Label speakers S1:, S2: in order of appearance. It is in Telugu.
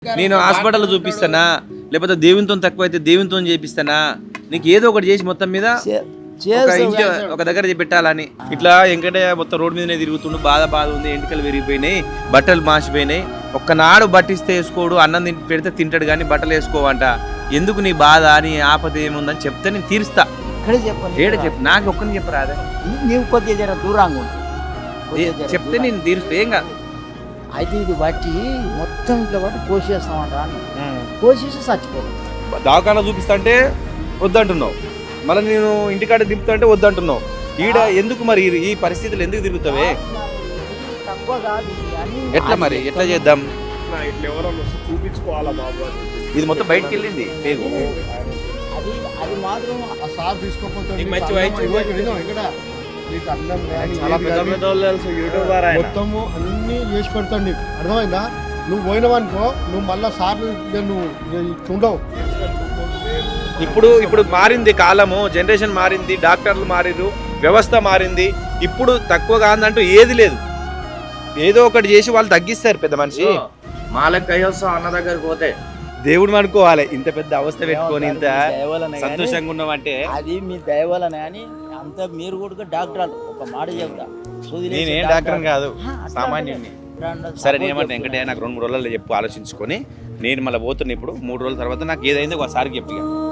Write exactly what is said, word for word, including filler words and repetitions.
S1: నేను హాస్పిటల్ చూపిస్తానా లేకపోతే దేవునితో తక్కువైతే దేవునితో చేపిస్తానా నీకు ఏదో ఒకటి చేసి మొత్తం మీద ఒక ఇంటి ఒక దగ్గర పెట్టాలని ఇట్లా వెంకటయ్య మొత్తం రోడ్ మీదనే తిరుగుతుండు బాధ బాధ ఉంది ఎంటికలు విరిగిపోయినాయి బట్టలు మాసిపోయినాయి ఒక్కనాడు బట్టిస్తే వేసుకోడు అన్నం తింటి పెడితే తింటాడు కానీ బట్టలు వేసుకోవంట ఎందుకు నీ బాధ నీ ఆపద ఏముందని చెప్తే నేను తీరుస్తా ఏడ చెప్పు నాకు ఒక్కని చెప్పరాదే
S2: నీవు కొద్దిగా దూరంగా
S1: చెప్తే నేను తీరుస్తా ఏం కాదు
S2: అయితే ఇది బట్టి మొత్తం ఇట్లా బట్టి కోసేస్తామంటా కోసేసి చచ్చిపోతాం
S1: దవాఖానా చూపిస్తా అంటే వద్దంటున్నావు మళ్ళీ నేను ఇంటికాడ దింపుతా అంటే వద్దంటున్నావు ఈడ ఎందుకు మరి ఈ పరిస్థితులు ఎందుకు తిరుగుతావే
S2: తక్కువ కాదు
S1: ఎట్లా మరి ఎట్లా చేద్దాం
S3: చూపించుకోవాలా బాబు
S1: ఇది మొత్తం బయటకు వెళ్ళింది పేగు
S2: అది అది మాత్రం
S3: ఆ సార్ తీసుకోకపోతే
S1: మంచి వయసు
S3: మొత్తము అన్ని చేసి పెడతాడు నీకు అర్థమైందా నువ్వు పోయినావనుకో నువ్వు మళ్ళా సార్ నువ్వు చూడవు
S1: ఇప్పుడు ఇప్పుడు మారింది కాలము జనరేషన్ మారింది డాక్టర్లు మారిరు వ్యవస్థ మారింది ఇప్పుడు తక్కువ కాదంటూ ఏది లేదు ఏదో ఒకటి చేసి వాళ్ళు తగ్గిస్తారు పెద్ద మనిషి
S4: మాలకు కయ్యొస్తా అన్న దగ్గరికి పోతే
S1: దేవుడు అనుకోవాలి ఇంత పెద్ద అవస్థ పెట్టుకొని ఇంత సంతోషంగా ఉన్నామంటే
S2: అది మీ దయవలనే అని అంత మీరు కూడా డాక్టర్ ఒక మాట చెప్తా
S1: నేనేం డాక్టర్ కాదు సామాన్యుడిని సరే నేనేమంటే వెంకటయ్య నాకు రెండు మూడు రోజుల్లో చెప్పు ఆలోచించుకొని నేను మళ్ళీ పోతున్నా ఇప్పుడు మూడు రోజుల తర్వాత నాకు ఏదైందో ఒకసారి చెప్పి